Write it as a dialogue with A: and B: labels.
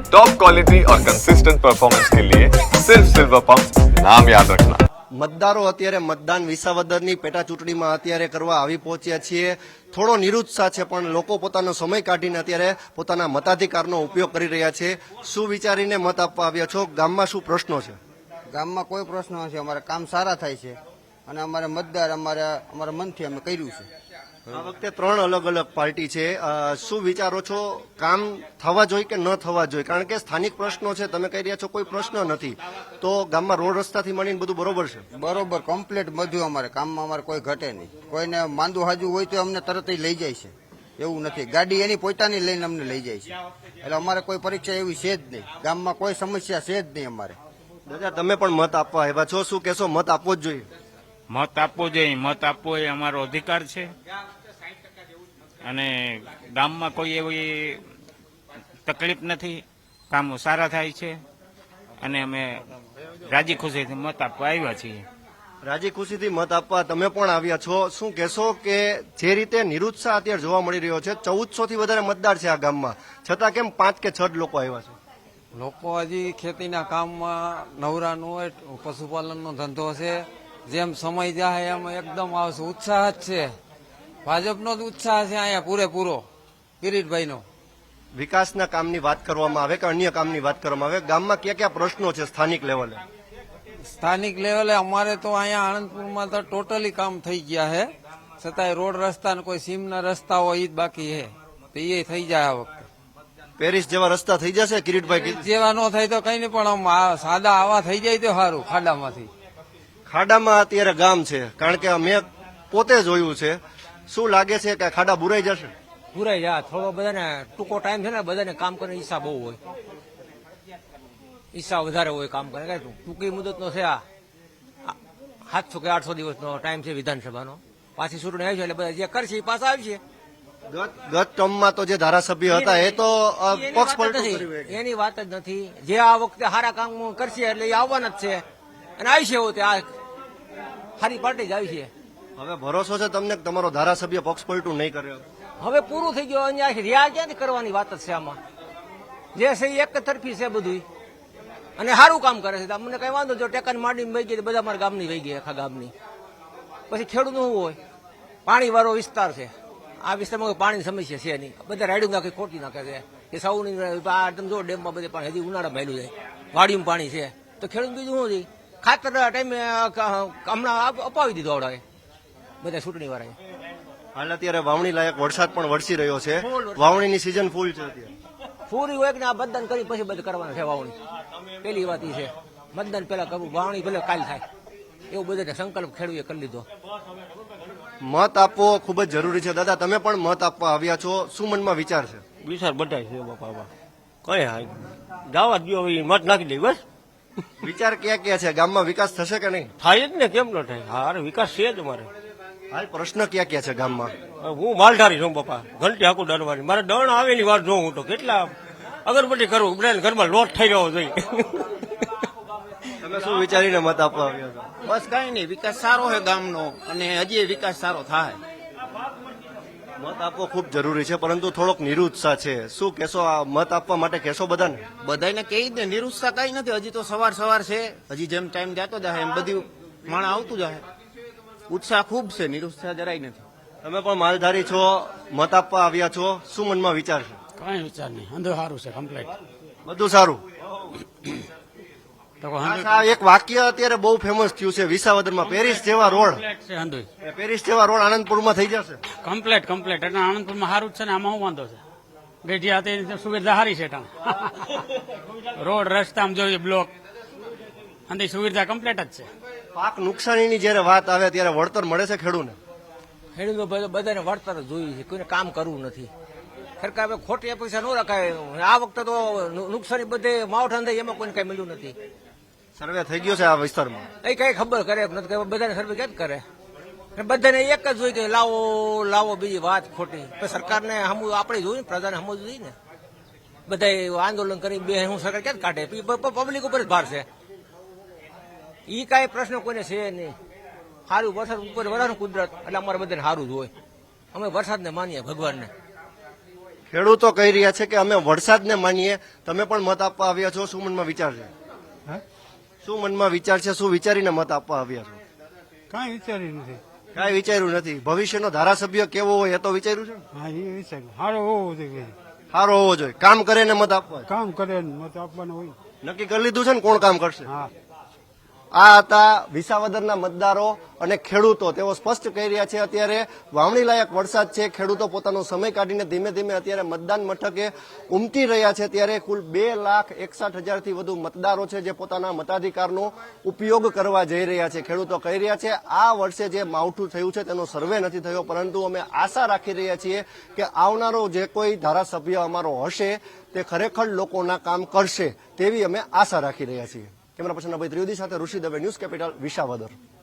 A: Top quality और consistent performance के लिए सिर्फ सिल्वर पंप नाम याद रखना।
B: મતદારો અત્યારે મતદાન વિસાવદરની પેટા ચૂંટણીમાં અત્યારે કરવા આવી પહોંચ્યા છીએ. થોડો નિરુત્સાહ છે, પણ લોકો પોતાનો સમય કાઢીને અત્યારે પોતાના મતાધિકારનો ઉપયોગ કરી રહ્યા છે. શું વિચારીને મત આપવા આવ્યા છો? ગામમાં શું પ્રશ્નો છે?
C: ગામમાં કોઈ પ્રશ્ન નથી. અમારે કામ સારા થાય છે અને અમારે મતદાર અમારા મનથી અમે કર્યું છે.
B: આ વખતે 3 અલગ અલગ પાર્ટી છે. શું વિચારો છો? કામ થવા જોઈએ કે ન થવા જોઈએ? કારણ કે સ્થાનિક પ્રશ્નો છે, તમે કહી રહ્યા છો કોઈ પ્રશ્ન નથી, તો ગામમાં રોડ રસ્તાથી મળીને બધું બરોબર છે?
C: બરોબર કમ્પ્લીટ બધું અમારે કામમાં અમારે કોઈ ઘટે નહીં. કોઈને માંદું હાજુ હોય તો અમને તરત લઈ જાય છે. એવું નથી, ગાડી એની પોતાની લઈને અમને લઈ જાય છે. એટલે અમારે કોઈ પરીક્ષા એવી છે જ નહીં. ગામમાં કોઈ સમસ્યા છે જ નહીં અમારે.
B: દાદા, તમે પણ મત આપવા આવ્યા છો, શું કહેશો? મત આપવો જ જોઈએ?
D: મત આપવો જોઈએ. મત આપવો એ અમારો અધિકાર છે અને ગામમાં કોઈ એવી તકલીફ નથી. કામો સારા થાય છે અને અમે રાજી ખુશીથી મત આપવા આવ્યા છીએ.
B: રાજી ખુશીથી મત આપવા તમે પણ આવ્યા છો. શું કહેશો કે જે રીતે નિરુત્સાહ અત્યારે જોવા મળી રહ્યો છે, 1400 થી વધારે મતદાર છે આ ગામમાં, છતાં કેમ 5 કે 6 લોકો આવ્યા છે?
E: લોકો હજી ખેતીના કામમાં નવરાનું હોય, પશુપાલનનો ધંધો છે. જેમ સમય જાય એમ એકદમ આવશે. ઉત્સાહ જ છે, ભાજપનો જ ઉત્સાહ છે અહીંયા પૂરેપૂરો. કિરીટભાઈનો
B: વિકાસના કામની વાત કરવામાં આવે કે અન્ય કામની વાત કરવામાં આવે, ગામમાં કયા કયા પ્રશ્નો છે સ્થાનિક લેવલે?
E: સ્થાનિક લેવલે અમારે તો અહીંયા આણંદપુરમાં તો ટોટલી કામ થઈ ગયા છે. છતાંય રોડ રસ્તા ને કોઈ સીમના રસ્તા હોય એ જ બાકી છે, તો એ થઈ જાય આ વખતે.
B: પેરિસ જેવા રસ્તા થઈ જશે કિરીટભાઈ?
E: જેવા ન થાય તો કઈ નહીં, પણ આમ સાદા આવા થઈ જાય તો સારું. ખાડામાંથી
B: ખાડામાં અત્યારે ગામ છે, કારણ કે મેં પોતે જોયું છે. શું લાગે છે કે ખાડા બુરાઈ જશે?
F: પૂરાઈ જાય. થોડો બધાને ટૂંકો ટાઈમ છે ને, બધાને કામ કરવાનો ઈચ્છા બહુ હોય, ઈચ્છા વધારે હોય કામ કરે. ટૂંકી મુદતનો છે આ 700 કે 800 દિવસનો ટાઈમ છે વિધાનસભાનો. પાછી ચૂંટણી આવી છે એટલે બધા જે કરશે એ પાછા આવશે.
B: ગત ટર્મમાં તો જે ધારાસભ્ય હતા એ તો પક્ષ પલટો
F: એની વાત જ નથી. જે આ વખતે સારા કામ કરશે એટલે એ આવવાના જ છે અને આવી છે. એવું તે આ સારી પાર્ટી જ આવી છે.
B: હવે ભરોસો છે તમને કે તમારો ધારાસભ્ય પક્ષ પલટું નહીં કરે?
F: હવે પૂરું થઈ ગયું. અહીંયા રહ્યા ક્યાંથી કરવાની વાત જ છે આમાં. જે છે એ એક તરફી છે બધું અને સારું કામ કરે છે. મને કઈ વાંધો, જો ટેકાની માંડીને વહી ગઈ બધા મારા ગામની વહી ગઈ, આખા ગામની. પછી ખેડૂતનું શું હોય? પાણી વાળો વિસ્તાર છે આ વિસ્તારમાં, પાણીની સમસ્યા છે નહીં. બધા રાયડું નાખી ખોટી નાખે છે કે સૌની આ તમે જો ડેમમાં બધે પાણી હજી ઉનાળા ભેલું જાય, વાડીમાં પાણી છે, તો ખેડૂત બીજું શું છે? ખાતર ટાઈમે હમણાં અપાવી દીધું આવડાવે બધા ચૂંટણી વાળાએ.
B: હાલ અત્યારે વાવણી લાયક વરસાદ પણ વરસી રહ્યો છે, વાવણીની સિઝન ફૂલ છે અત્યારે.
F: પૂરી હોય કે આ મતદાન કરી પછી બધું કરવાનું છે વાવણી. પેલી વાત એ છે, મતદાન પેલા કરવું, વાવણી ભલે કાલ થાય એવું બધાને સંકલ્પ ખેડૂએ કરી લીધો.
B: મત આપવો ખૂબ જ જરૂરી છે. દાદા, તમે પણ મત આપવા આવ્યા છો, શું મનમાં વિચાર છે?
G: વિચાર બધા છે બાપા, કઈ હા જવા દો, મત નાખી દઈ બસ.
B: વિચાર ક્યાં ક્યાં છે? ગામમાં વિકાસ થશે કે નહીં?
G: થાય જ ને, કેમ ન થાય? હા, વિકાસ છે જ અમારે.
B: હાલ પ્રશ્ન ક્યાં ક્યાં છે ગામમાં?
G: હું માલધારી છું બાપા, ઘંટી આખું દરવાની. મારે દણ આવેલી વાત જોઉં હું તો કેટલા અગરબત્તી કરું, બધા ઘરમાં લોટ થઈ રહ્યો જોઈએ.
B: તમે શું વિચારીને મત આપવા આવ્યા છો?
H: બસ કઈ નહીં, વિકાસ સારો છે ગામનો અને હજી વિકાસ સારો થાય.
B: મત આપવો ખૂબ જરૂરી છે, પરંતુ થોડોક નિરુત્સાહ છે. શું કહેશો? આ મત આપવા માટે કહેશો બધાને?
H: બધાને કહી દે, નિરુત્સાહ કઈ નથી. હજી તો સવાર છે, હજી જેમ ટાઈમ જતો જાય એમ બધું માણસ આવતું જાય. ઉત્સાહ ખૂબ છે, નિરુત્સાહ જરાય નથી.
B: તમે પણ માલધારી છો, મત આપવા આવ્યા છો, શું મનમાં વિચાર છે?
I: કઈ વિચાર નહીં, અંધો સારું છે, કમ્પ્લીટ
B: બધું સારું. એક વાક્ય અત્યારે બહુ ફેમસ થયું છે વિસાવદરમાં, પેરિસ જેવા રોડ. પેરિસ જેવા રોડ આનંદપુરમાં થઈ જશે.
I: કમ્પ્લીટ એટલે આનંદપુરમાં સારું જ છે ને, આમાં શું વાંધો છે? ગઢિયા સુવિધા સારી છે, રોડ રસ્તા જોઈએ, બ્લોક અંદરની સુવિધા કમ્પ્લીટ જ છે.
B: પાક નુકસાનીની જયારે વાત આવે ત્યારે વળતર મળે છે ખેડૂતને?
F: ખેડૂતો બધાને વળતર જોઈએ છે, કોઈને કામ કરવું નથી. સરકાર ખોટી પૈસા ન રખાય. આ વખતે તો નુકસાની બધે માવઠા થાય એમાં કોઈને કઈ મળ્યું નથી.
B: સર્વે થઈ ગયો છે આ વિસ્તારમાં?
F: એ કઈ ખબર કરે નથી, બધાને સર્વે ક્યાં કરે? બધાને એક જ જોઈએ કે લાવો લાવો, બીજી વાત ખોટી. સરકારને હમું આપણે જોયું ને, પ્રજાને હમું જોઈએ ને. બધા આંદોલન કરી બે હું સરકાર ક્યાં કાઢે? પબ્લિક ઉપર જ ભાર છે. ઈ કઈ પ્રશ્ન કોઈને છે નહીં. સારું વરસાદ ઉપર વરાનું કુદરત એટલે અમારે બધાને સારું જ હોય. અમે વરસાદને માનીએ, ભગવાનને.
B: ખેડૂતો કહી રહ્યા છે કે અમે વરસાદને માનીએ, તમે પણ મત આપવા આવ્યા છો, શું મનમાં વિચાર છે? શું મનમાં વિચાર છે, શું વિચારીને મત આપવા આવ્યા છો?
I: કાંઈ વિચાર્યું નથી.
B: કાંઈ વિચાર્યું નથી. ભવિષ્યનો ધારાસભ્ય કેવો હોય એ તો વિચાર્યું છે ને?
I: હા, એ વિચાર્યું સારો હોવો જોઈએ.
B: સારો હોવો જોઈએ, કામ કરે ને મત આપવા.
I: કામ કરે ને મત આપવાનો હોય.
B: નક્કી કરી લીધું છે ને કોણ કામ કરશે?
I: હા.
B: આ હતા વિસાવદરના મતદારો અને ખેડૂતો. તેઓ સ્પષ્ટ કહી રહ્યા છે અત્યારે વાવણી લાયક વરસાદ છે, ખેડૂતો પોતાનો સમય કાઢીને ધીમે ધીમે અત્યારે મતદાન મથકે ઉમટી રહ્યા છે. ત્યારે કુલ 2,61,000થી વધુ મતદારો છે જે પોતાના મતાધિકારનો ઉપયોગ કરવા જઈ રહ્યા છે. ખેડૂતો કહી રહ્યા છે આ વર્ષે જે માવઠું થયું છે તેનો સર્વે નથી થયો, પરંતુ અમે આશા રાખી રહ્યા છીએ કે આવનારો જે કોઈ ધારાસભ્ય અમારો હશે તે ખરેખર લોકોના કામ કરશે તેવી અમે આશા રાખી રહ્યા છીએ. કેમેરા પર્સન અભય ત્રિવેદી સાથે ઋષિ દવે, ન્યૂઝ કેપિટલ, વિસાવદર.